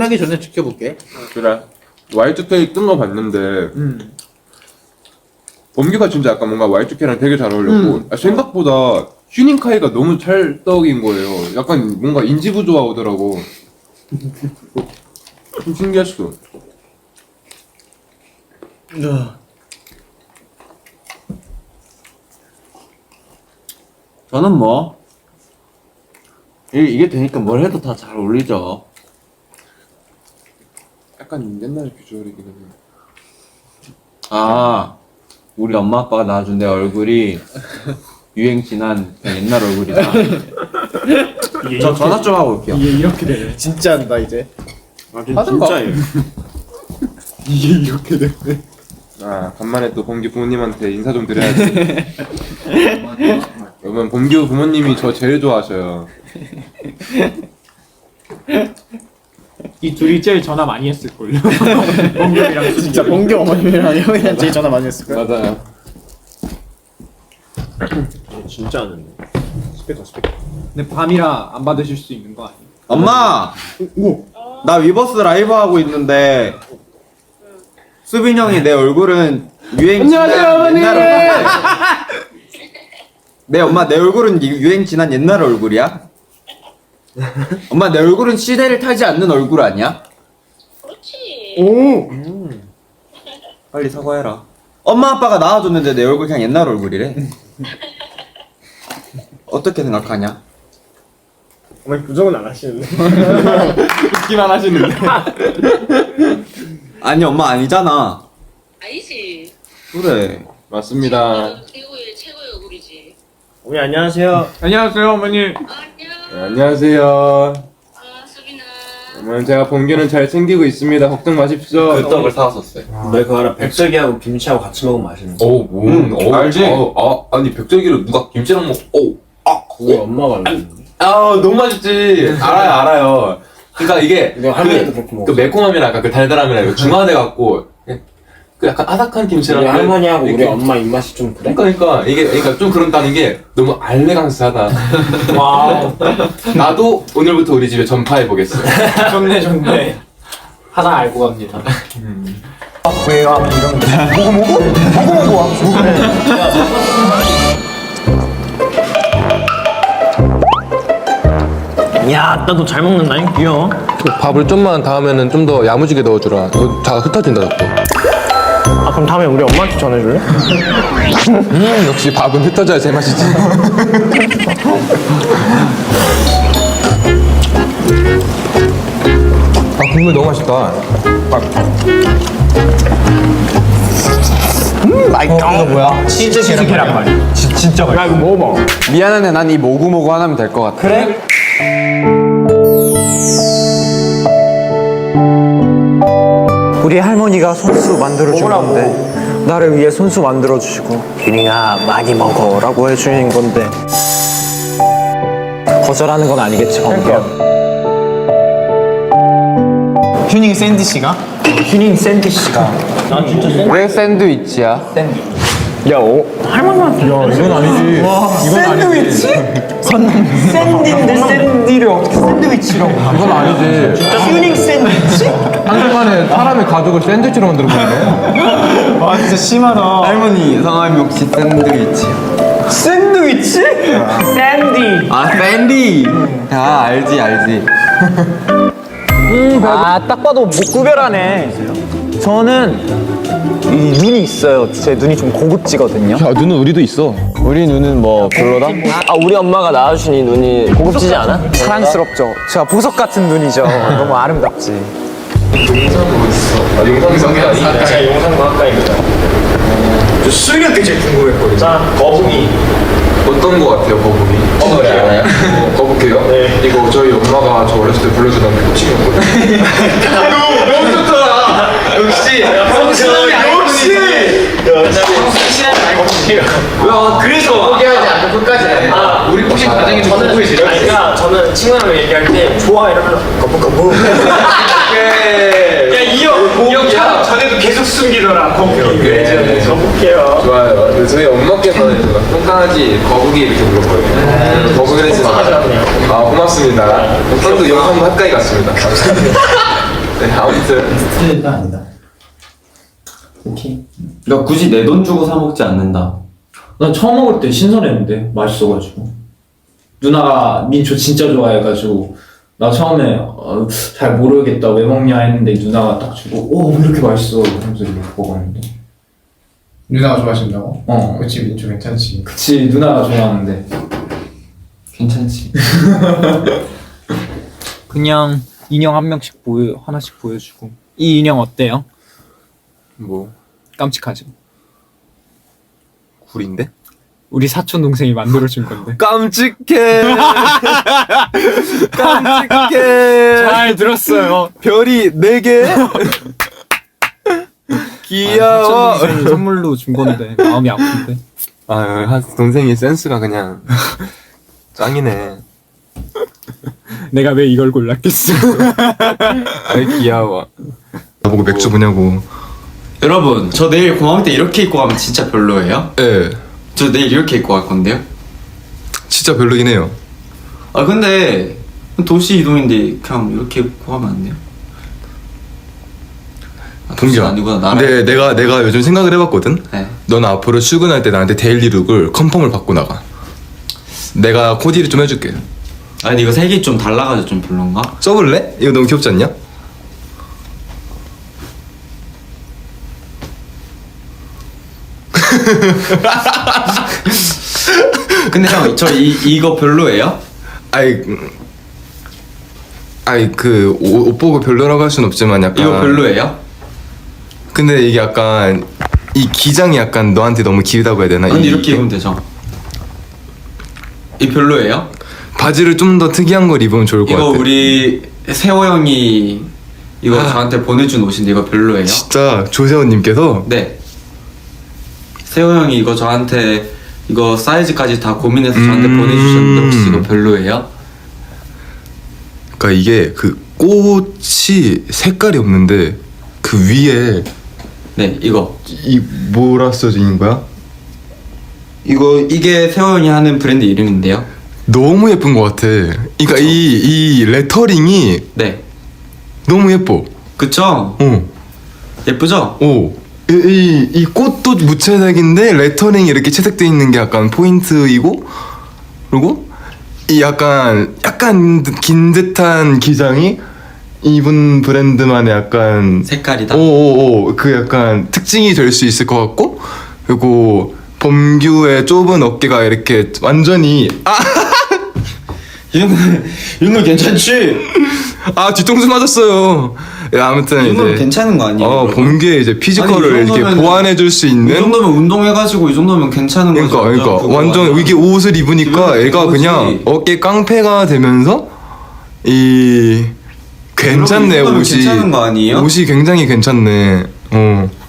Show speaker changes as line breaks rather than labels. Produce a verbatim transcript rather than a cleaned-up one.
끝나기 전에 지켜볼게.
그래. 와이투케이 뜬 거 봤는데
음.
범규가 진짜 약간 뭔가 와이투케이랑 되게 잘 어울렸고
음.
아, 생각보다 휴닝카이가 너무 찰떡인 거예요. 약간 뭔가 인지 부조화 오더라고. 좀 신기했어.
야. 저는 뭐 이, 이게 되니까 뭘 해도 다 잘 어울리죠.
약간 옛날 비주얼이긴 해.
아, 우리 엄마 아빠가 낳아준 내 얼굴이 유행 지난 그냥 옛날 얼굴이다. 저 전화 좀 하고 올게요.
이게 이렇게 되네. 진짜 한다 이제.
아, 진짜예요.
이게 이렇게 되네.
아 간만에 또 범규 부모님한테 인사 좀 드려야지. 여러분 범규 부모님이 저 제일 좋아하셔요.
이 둘이 제일 전화 많이 했을걸요. 봉겸이랑 진짜
봉겸 어머님이랑 형이랑 제일 전화 많이 했을 거야.
맞아요.
진짜 하는데. 스피커 스피커. 근데 밤이라 안 받으실 수 있는 거 아니에요?
엄마! 나 위버스 라이브 하고 있는데 수빈 형이 내 얼굴은 유행 지난 옛날 얼굴. 내 엄마 내 얼굴은 유- 유행 지난 옛날 얼굴이야? 엄마 내 얼굴은 시대를 타지 않는 얼굴 아니야?
그렇지.
오.
빨리 사과해라. 엄마 아빠가 낳아줬는데 내 얼굴 그냥 옛날 얼굴이래. 어떻게 생각하냐?
어머니 부정은 안 하시는데.
웃기만 하시는데.
아니 엄마 아니잖아.
아니지.
그래.
맞습니다.
최고의 최고의 얼굴이지.
어머니 안녕하세요. 안녕하세요 어머니.
아,
네,
안녕.
안녕하세요.
아, 수빈아.
어머니 제가 범규는 잘 챙기고 있습니다. 걱정 마십시오.
떡을 사왔었어요.
너 그거 알아? 백설기하고 김치하고 같이 먹으면 맛있는 거.
어, 뭐,
음,
어,
알지?
어, 아, 아니, 백설기를 누가 김치랑 먹, 어, 아,
우리 엄마가 알려줬는데.
아, 너무 맛있지. 알아요, 알아요. 그니까 이게,
너 할머니도 그렇게 먹어.
그 매콤함이랑 약간 그 달달함이랑 이거 중화돼갖고, 그 약간 아삭한 김치랑.
우리 할머니하고
이렇게-
우리 엄마 입맛이 좀 그래?
그러니까, 그러니까, 이게, 그러니까 좀 그런다는 게 너무 알레강스하다.
와.
나도 오늘부터 우리 집에 전파해보겠어.
좋네 좋네. 하나 알고 갑니다.
왜요? 이런 거.
야, 나도 잘 먹는다. 귀여워.
밥을 좀만 다음에는 좀 더 야무지게 넣어주라. 이거 다 흩어진다, 자꾸.
아, 그럼 다음에 우리 엄마한테 전해줄래?
음, 역시 밥은 흩어져야 제맛이지. 아, 국물 너무 맛있다.
음, 맛있다. 이거 뭐야?
치즈 치즈 계란말이.
지, 진짜 맛있어.
야 이거 먹어봐.
미안한데 난 이 모구모구 하나면 될 것 같아.
그래? 우리 할머니가 손수 만들어 주는데 나를 위해 손수 만들어 주시고 윤이가 많이 먹어라고 해주는 건데 거절하는 건 아니겠지 범규야. 휴닝 샌디씨가? 휴닝 샌디씨가 난 진짜 샌디
왜 샌드위치야?
야, 오, 할머니한테 야, 이건 아니지. 와, 이건 샌드위치? 샌디인데 샌디를 어떻게 샌드위치라고?
이건 아니지.
진짜 휴닝 샌드위치?
한순간에 사람의 가족을 샌드위치로 만들어버리네.
와, 진짜 심하다.
할머니 성함이 혹시 샌드위치야?
샌드위치? 샌디.
아 샌디. 아 알지 알지.
아, 딱 봐도 못 구별하네. 저는 이 눈이 있어요. 제 눈이 좀 고급지거든요.
야, 눈은 우리도 있어.
우리 눈은 뭐 별로다?
아 우리 엄마가 낳아주신 이 눈이 고급지지 않아?
사랑스럽죠. 제가 보석 같은 눈이죠. 너무 아름답지.
제가 용산과학과입니다. 저 수리학교 제일 궁금했거든요. 자, 거북이.
어떤 거 같아요, 거북이? 어, 네, 알아요? 거북이요? 네. 이거 저희 엄마가 저 어렸을 때 불러주던 코칭이었거든요. 너무, 너무 좋더라! 역시! 성실함이 역시! 성실함이 아이콘이에요. 야, 그래서 포기하지 않고 끝까지 해. 아, 우리 혹시 과정이 좀 거북이 제일
아니, 그러니까 저는 친구랑 얘기할 때 좋아 이러면 거북거북.
야,
이 형, 이형 촬영 전에도 계속 숨기더라. 거북이. 그래, 거북해요.
좋아요. 근데 저희 엄마께서는 제가 똥강아지 거북이 이렇게 불렀거든요. 거북이를 했습니다. 아, 고맙습니다. 형도 영상도 가까이 갔습니다.
네, 아무튼
스트레이트가 아니다.
오케이.
너 굳이 내 돈 주고 사 먹지 않는다.
난 처음 먹을 때 신선했는데 맛있어가지고 누나가 민초 진짜 좋아해가지고 나 처음에 어, 잘 모르겠다 왜 먹냐 했는데 누나가 딱 주고 오 왜 이렇게 맛있어 이러면서 이렇게 먹었는데
누나가 좋아하신다고?
어
그치 민초 괜찮지.
그치 누나가 좋아하는데
괜찮지.
그냥 인형 한 명씩 보여 하나씩 보여주고 이 인형 어때요?
뭐
깜찍하죠?
굴인데?
우리 사촌 동생이 만들어준 건데.
깜찍해. 깜찍해.
잘 들었어요.
별이 네 개. 귀여워.
사촌 동생이 선물로 준 건데 마음이 아픈데.
아, 동생이 센스가 그냥 짱이네.
내가 왜 이걸 골랐겠어?
아이 귀여워. 나보고 맥주 뭐냐고.
여러분, 저 내일 공항 때 이렇게 입고 가면 진짜 별로예요?
예,
저 내일 이렇게 입고 갈 건데요?
진짜 별로긴 해요.
아 근데 도시 이동인데 그냥 이렇게 입고 가면 안 돼요? 아, 도시가
동기야.
아니구나 나라.
근데 내가 내가 요즘 생각을 해봤거든.
네.
넌 앞으로 출근할 때 나한테 데일리룩을 컨펌을 받고 나가. 내가 코디를 좀 해줄게.
아니 이거 색이 좀 달라가지고 좀 별론가?
써볼래? 이거 너무 귀엽지 않냐?
근데 형, 저 이 이거 별로예요?
아이, 음, 아이 그 옷 보고 별로라고 할 순 없지만 약간.
이거 별로예요?
근데 이게 약간 이 기장이 약간 너한테 너무 길다고 해야 되나?
근데
이-
이렇게 입으면 되죠. 이 별로예요?
바지를 좀 더 특이한 걸 입으면 좋을 것
이거
같아.
우리 세호 형이 이거 저한테 보내준 옷인데 이거 별로예요?
진짜 조세호님께서
네. 세호 형이 이거 저한테 이거 사이즈까지 다 고민해서 저한테
음.
보내주셨는데 혹시 이거 별로예요?
그러니까 이게 그 꽃이 색깔이 없는데 그 위에
네, 이거.
이 뭐라 써져 있는 거야?
이거 이게 세호 형이 하는 브랜드 이름인데요.
너무 예쁜 것 같아. 그러니까 이 이 레터링이
네.
너무 예뻐.
그쵸?
어.
예쁘죠?
오. 이, 이, 이 꽃도 무채색인데 레터링이 이렇게 채색돼 있는 게 약간 포인트이고, 그리고 이 약간 약간 긴 듯한 기장이 이분 브랜드만의 약간
색깔이다.
오오오 그 약간 특징이 될 수 있을 것 같고, 그리고 범규의 좁은 어깨가 이렇게 완전히 아,
이 정도면 이 정도면 괜찮지?
아 뒤통수 맞았어요. 야, 아무튼
이 정도면
이제
괜찮은 거 아니에요?
어
여러분?
범규의 이제 피지컬을
아니, 이
이렇게
정도면은-
보완해줄 수
이
있는.
정도면 운동해가지고 이 정도면 괜찮은
그러니까
거죠.
그러니까
그거
완전
아니야?
이게 옷을 입으니까
기분이
애가
좋은
그냥
거지.
어깨 깡패가 되면서 이 괜찮네
여러분, 이 정도면
옷이.
괜찮은 거 아니에요?
옷이 굉장히 괜찮네. 어.